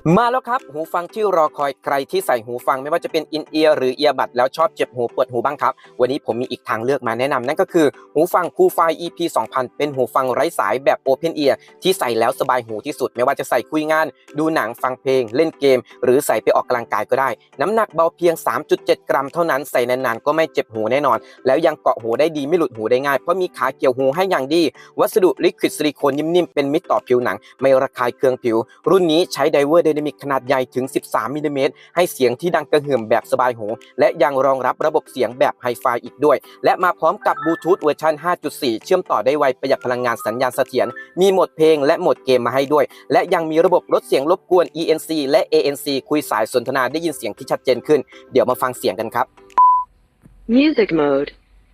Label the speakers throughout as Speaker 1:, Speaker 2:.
Speaker 1: มาแล้วครับหูฟังที่รอคอยใครที่ใส่หูฟังไม่ว่าจะเป็นอินเอียร์หรือเอียร์บัดแล้วชอบเจ็บหูปวดหูบ้างครับวันนี้ผมมีอีกทางเลือกมาแนะนำนั่นก็คือหูฟัง Coolphy EP 2000เป็นหูฟังไร้สายแบบ Open Ear ที่ใส่แล้วสบายหูที่สุดไม่ว่าจะใส่คุยงานดูหนังฟังเพลงเล่นเกมหรือใส่ไปออกกำลังกายก็ได้น้ำหนักเบาเพียง 3.7 กรัมเท่านั้นใส่นานๆก็ไม่เจ็บหูแน่นอนแล้วยังเกาะหูได้ดีไม่หลุดหูได้ง่ายเพราะมีขาเกี่ยวหูให้อย่างดีวัสดุลิควิดซิลิโคนนิ่มๆเป็นมิตรต่อผิวหนังไม่ระคายเคืองผิวรุ่นนี้ใช้ไดเวอร์ไดนามิกขนาดใหญ่ถึง13มิลลิเมตรให้เสียงที่ดังกระหึ่มแบบสบายหูและยังรองรับระบบเสียงแบบไฮไฟอีกด้วยและมาพร้อมกับบลูทูธเวอร์ชัน 5.4 เชื่อมต่อได้ไวประหยัดพลังงานสัญญาณเสถียรมีโหมดเพลงและโหมดเกมมาให้ด้วยและยังมีระบบลดเสียงรบกวน ENC และ ANC คุยสายสนทนาได้ยินเสียงที่ชัดเจนขึ้นเดี๋ยวมาฟังเสียงกันครับ
Speaker 2: Music mode.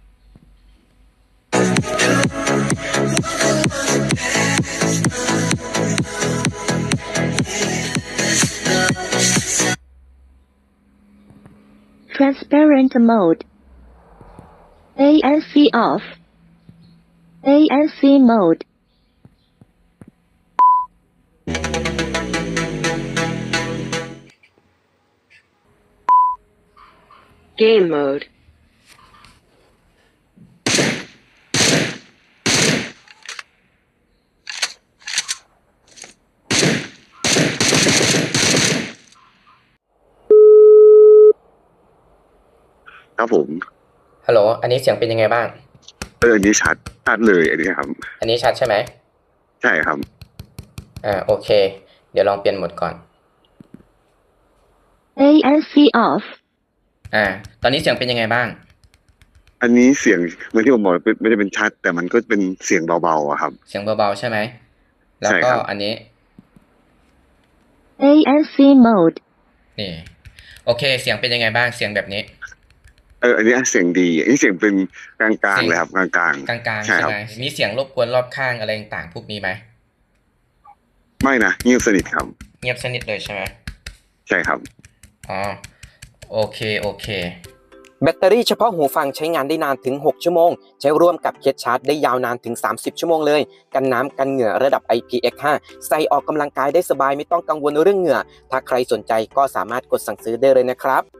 Speaker 3: Transparent mode. ANC off. ANC mode.
Speaker 2: Game mode.
Speaker 4: ครับผม
Speaker 1: ฮัลโหลอันนี้เสียงเป็นยังไงบ้าง
Speaker 4: อันนี้ชัดเลยอันนี้ครับ
Speaker 1: อันนี้ชัดใช่ไหม
Speaker 4: ใช่ครับ
Speaker 1: โอเคเดี๋ยวลองเปลี่ยนโหมดก่อน
Speaker 3: ANC off.
Speaker 1: ตอนนี้เสียงเป็นยังไงบ้าง
Speaker 4: อันนี้เสียงเหมือนที่ผมบอกไม่ได้เป็นชัดแต่มันก็เป็นเสียงเบาๆอะครับ
Speaker 1: เสียงเบาๆใช่ไหมแล้วก็อันนี้
Speaker 3: ANC mode.
Speaker 1: นี่โอเคเสียงเป็นยังไงบ้างเสียงแบบนี้
Speaker 4: อันนี้เสียงดีอันนี้เสียงเป็นกลางๆเลยครับกลางๆ
Speaker 1: กลางๆใช่ไหมมีเสียงรบกวนรอบข้างอะไรต่างๆพวกนี้ไหม
Speaker 4: ไม่นะเงียบสนิทครับ
Speaker 1: เงียบสนิทเลยใช่ไหม
Speaker 4: ใช่ครับ
Speaker 1: อ๋อโอเคแบตเตอรี่เฉพาะหูฟังใช้งานได้นานถึง6ชั่วโมงใช้ร่วมกับเคสชาร์จได้ยาวนานถึง30ชั่วโมงเลยกันน้ำกันเหงื่อระดับ IPX5 ใส่ออกกำลังกายได้สบายไม่ต้องกังวลเรื่องเหงื่อถ้าใครสนใจก็สามารถกดสั่งซื้อได้เลยนะครับ